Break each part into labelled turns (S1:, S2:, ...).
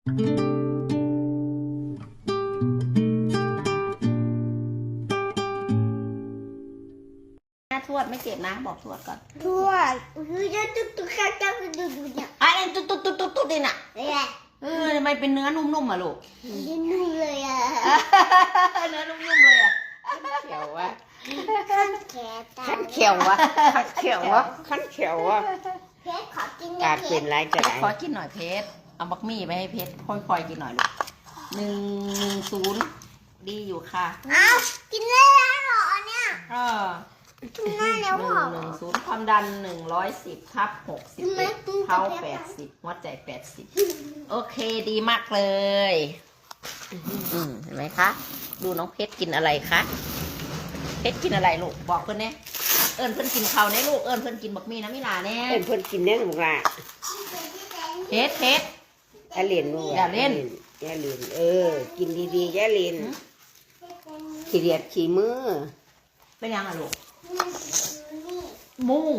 S1: ทวดไม่เจ็บนะบอกทวดก่อน
S2: ทวดคือจะตุ๊กข้าวเจ้าคือดูเนี่ย
S1: อะไรตุ๊ดดิน่ะทำไมเป็นเนื้อนุ่มๆอ่ะลูก
S2: นุ่มเลยอ่ะ
S1: เนื้อนุ่มๆเลยอ่ะเขียววะ
S2: ขั้นเขียววะ
S1: ขั้นเขียววะ
S2: เพชรขอกิน
S3: กาเป็นไรจะได้
S1: ขอกินหน่อยเพชรเอาบักมี่ไปให้เพชรค่อยๆกินหน่อยลูก1-0ดีอยู่ค่ะ
S2: อ้าวกินได้แล้วเหรอเนี่ยกินได้แล้วเหรอ
S1: 110ความดัน110/60เท้า80หัวใจ80โอเคดีมากเลยเห็นไหมคะดูน้องเพชรกินอะไรคะเพชรกินอะไรลูกบอกเพื่อนเนี่ยเอิญเพื่อนกินเขาเนี่ยลูกเอิญเพื่อนกินบักมี่นะมิลาเนี่ย
S3: เพิ่นกินเนี่ยลูกละ
S1: เพชร
S3: อย่าเล่นลูก
S1: อย่าเล่น
S3: กินดีๆอย่าเล่นขี้เดียดขี้มือ
S1: เป็นยังอะลูกมุ้ง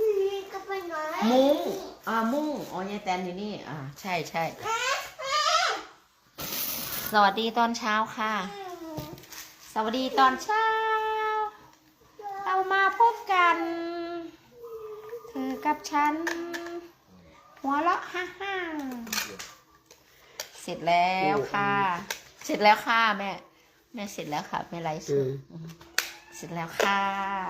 S1: อ๋อยายแตนอยู่นี่ใช่สวัสดีตอนเช้าค่ะสวัสดีตอนเช้าเรามาพบกันเธอกับฉันหัวเราะฮ่าเสร็จแล้วค่ะแม่เสร็จแล้วค่ะแม่ไลฟ์สดเสร็จแล้วค่ะ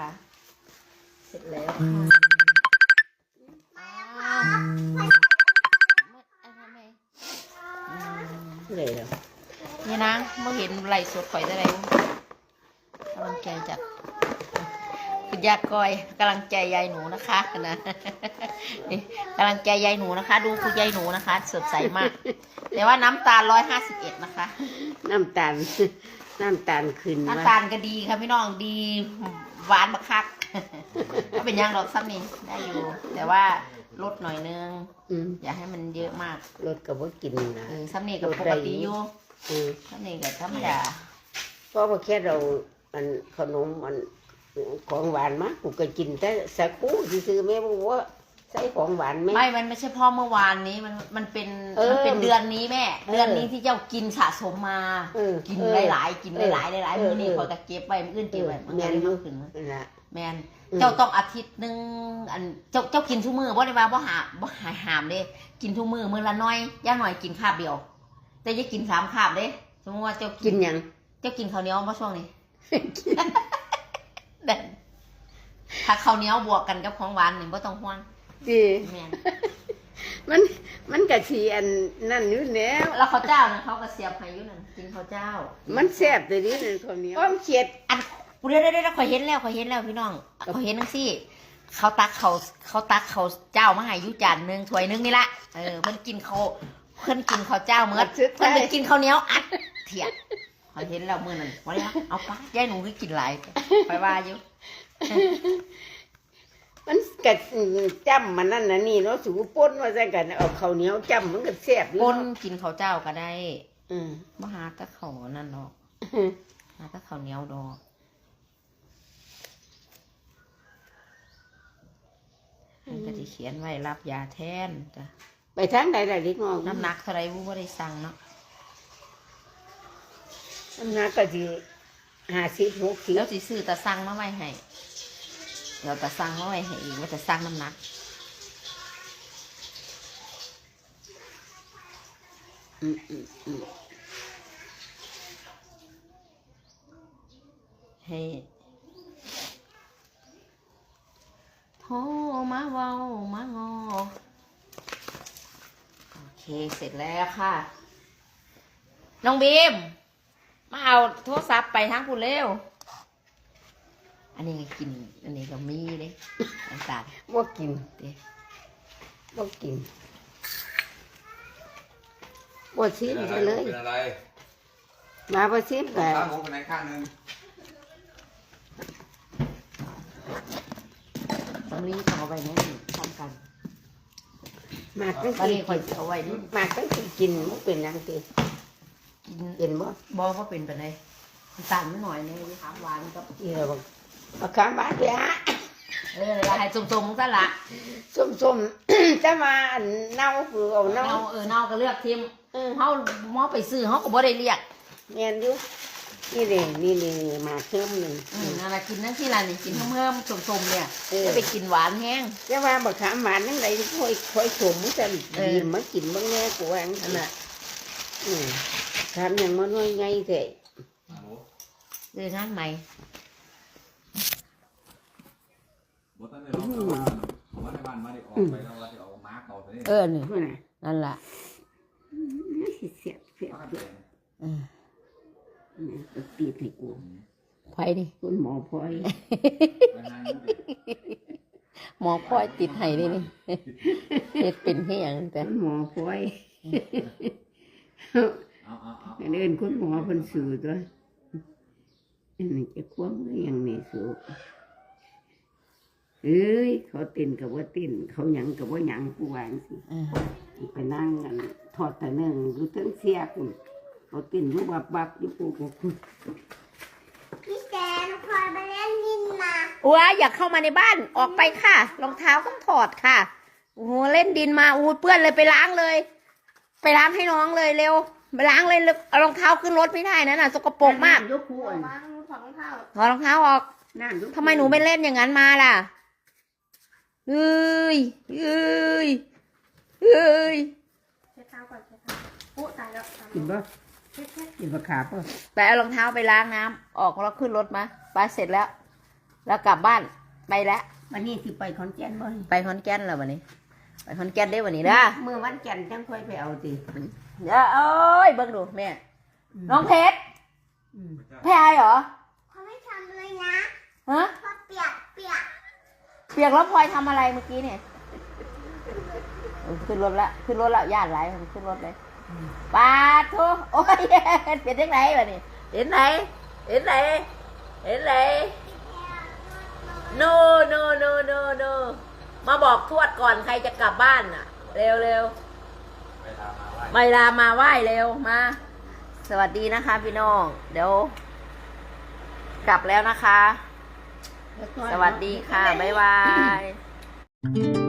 S3: เลยเหรอ
S1: นี่นะเมื่อเห็นไลฟ์สดข่อยได้ไรกำลังใจจากคุณยากอยกำลังใจยายหนูนะคะนะกำลังใจยายหนูนะคะดูคุณยายหนูนะคะสดใสมากแต่ว่าน้ำตาล151นะคะ
S3: น้ำตาลขึ้น
S1: น้ำตาลก็ดีค่ะพี่น้องดีหวานบักคักก็เป็นย่างดอกซ้ำนี่ได้อยู่แต่ว่าลดหน่อยนึงอย่าให้มันเยอะมาก
S3: ลดกับว่ากินนะ
S1: ซ้ำนี่กับปกติอยู่ซ้ำนี่กับธรรมดา
S3: เพราะว่าแค่เราขนมของหวานมากกูก็กินแต่สักคู่ซื้อแม่บอกว่าใส่ของหวานไหม
S1: ไม่มันไม่ใช่พ่อเมื่อวานนี้มันเป็นเดือนนี้แม่เดือนนี้ที่เจ้ากินสะสมมากินหลายๆมื้อนี้พอจะเก็บไว้มื้ออื่นเก็บไว้มันก็เลยมากขึ้นแมนเจ้าต้องอาทิตย์นึงเจ้ากินทุกมื้อบ่ได้ว่าบ่หามเด้กินทุกมื้อละน้อยย่าหน่อยกินคาบเดียวแต่อย่ากิน3คาบเด้สมมติว่าเจ้า
S3: กินหยัง
S1: เจ้ากินข้าวเหนียวบ่ช่วงนี้ถ้าข้าวเหนียวบวกกันกับของหวานนี่บ่ต้องห่วง
S3: ดีมันกะทีนั่นอยู่
S1: แล้วข้าวเจ้านะเขาก็เสียบให้อยู่นั่นกินข้าวเจ้า
S3: มันแซ่บเลยนี่ข้าวเหนียวอ้อมเขียด
S1: เดี๋ยวข่อยเห็นแล้วพี่น้องข่อยเห็นจังซี่เขาตักเขาเจ้ามาให้อยู่จานนึงถ้วยนึงนี่ละเพิ่นกินข้าวเจ้าเมื่อเพิ่นกินข้าวเหนียวอัดเถียดข่อยเห็นแล้วมื้อนั้นบ่ได้เอาปะยายหนูคือกินหลายไปว่าอยู่
S3: มันกัดจ้ำมันนั่นนะนี่เนาะสูป่นว่าใส่กันเอาข้าวเหนียวจ้ำมันก็แซ่บอยู่
S1: ป่นกินข้าวเจ้าก็ได้บ่หาตะข้าวนั่นดอกหาตะข้าวเหนียวดอกมันก็สิเขียนไว้รับยาแทนจ้ะ
S3: ไปทางใดล่ะเด็กน้อง
S1: น้ำหนักเท่าไรบ่ได้สั่งเนาะ
S3: น้ำหนักก็สิ50 60
S1: แล้วสิซื้อตะสั่งมาไว้ให้เดี๋ยวจะสั่งมาไว้ให้อีกว่าจะสั่งน้ำหนักให้โทรมาเว้ามางอโอเคเสร็จแล้วค่ะน้องบีมมาเอาโทรศัพท์ไปทางคุณเร็วอันนี้กินอันนี้ก็มีเลยน้ำตาล
S3: บ่กินบ่กินบ่ชิมไปเลย
S4: เป็นอะไร
S3: มาบ่ชิมกัน
S4: ข้างผมเป็นไหนข้างนึง
S1: สำลีเอาไว้นี่ทำกัน
S3: มากก็
S1: กินคอยเอาไว้นี่
S3: มากก็กินบ่เป็นยังติ
S1: กิน
S3: เป็นบ่
S1: ว่าเป็นไปไหนตาลไม่หน่อยเนี่ยถามหวานกับ
S3: เอาข้ามบ้านไปฮะ
S1: ให้ส้มๆซะละ
S3: ส้มจะมาเน่าคือเอาเน่า
S1: เน่าก็เลือกทิมเฮาหมอไปซื้อเฮาก็บ่ได้เรียก
S3: แม่นอยู่นี่เลยนี่มาเพิ่มหนึ่ง
S1: นั่นล่ะกินนั่นที่ล่ะนี่กินเพิ่มสมๆเนี่ยจะไปกินหวานแห้ง
S3: จะว่าบักขามหวานนั่งไหนค่อยสมมันจะดีมากินบ้างแน่กูว่านั่นน่ะทำอย่างมันน้อยไงเถอะ
S1: เจองานใหม่
S4: บ่ทันได้ลองเอามาในบ้านมาได้ออกไปแล้วว่าจะเอามาร์กเอาตัวนี้
S1: นี่นั่นล่ะ
S3: เสียบตีให้กู
S1: ไผนี่
S3: คุณหมอพลอย
S1: หมอพลอยติดให้นี่เฮ็ดเป็นเฮียงแต่
S3: คุณหมอพลอย
S4: เอา
S3: เดินคุณหมอคนสื่อตัวอันนี้จะคว้ามืออย่างนี้สูเอ้ยเขาเต้นกับว่าเต้นเขาหยังกับว่าหยังกูวางสิไปนั่งกันทอดแต่เนื่องรู้ทั้งเสียคุณเขาเต้นรู้บับอยู่กูคุณ
S2: พี่แจนพลอยไปเล่นดินมา
S1: ว้าอยากเข้ามาในบ้านออกไปค่ะรองเท้าต้องถอดค่ะโอ้โหเล่นดินมาอู้เปื้อนเลยไปล้างเลย ไปล้างให้น้องเลยเร็วไปล้างเลยเอารองเท้าขึ้นรถไม่ได้นะน่ะสกปรกมาก
S3: ยกคู่อ่ะ
S2: วางมือถอดรองเท้า
S1: ถอดรองเท้าออก
S3: นั่นยก
S1: ทำไมหนูไม่เล่นอย่างนั้นมาล่ะเอ้ย
S2: เช็ดเท้าก่อนเช็ดเท้าโอ้ตายแล้ว
S3: กินบ่กินบะขาป่ะ
S1: ไปเอารองเท้าไปล้างน้ำออกแล้วขึ้นรถมาไปเสร็จแล้ว แล้วกลับบ้านไปแล้ว
S3: วันนี้ที่ไปขอนแก่นบ่
S1: ไปขอนแก่นแล้ววันนี้ ไปขอนแก่นได้วันนี้นะ
S3: เมื่อวันจันทร์จังค่อยไปเอาติ
S1: เดี๋ยวเอ้ยเบิ่งดูแม่น้องเพชรแพ้เหรอ
S2: เขาไม่ทำเลยนะ
S1: ฮะ
S2: เพราะเปียก
S1: เปียกแล้วพลอยทำอะไรเมื่อกี้เนี่ยขึ้นรถละญาติไรขึ้นรถเลยปาทุโอ้ยเป็นยังไงวะนี่เห็นไหนโนมาบอกทวดก่อนใครจะกลับบ้านน่ะ เร็วไม่ลามาไหว้เร็วมา สวัสดีนะคะพี่น้องเดี๋ยวกลับแล้วนะคะ สวัสดีค่ะ บ๊ายบาย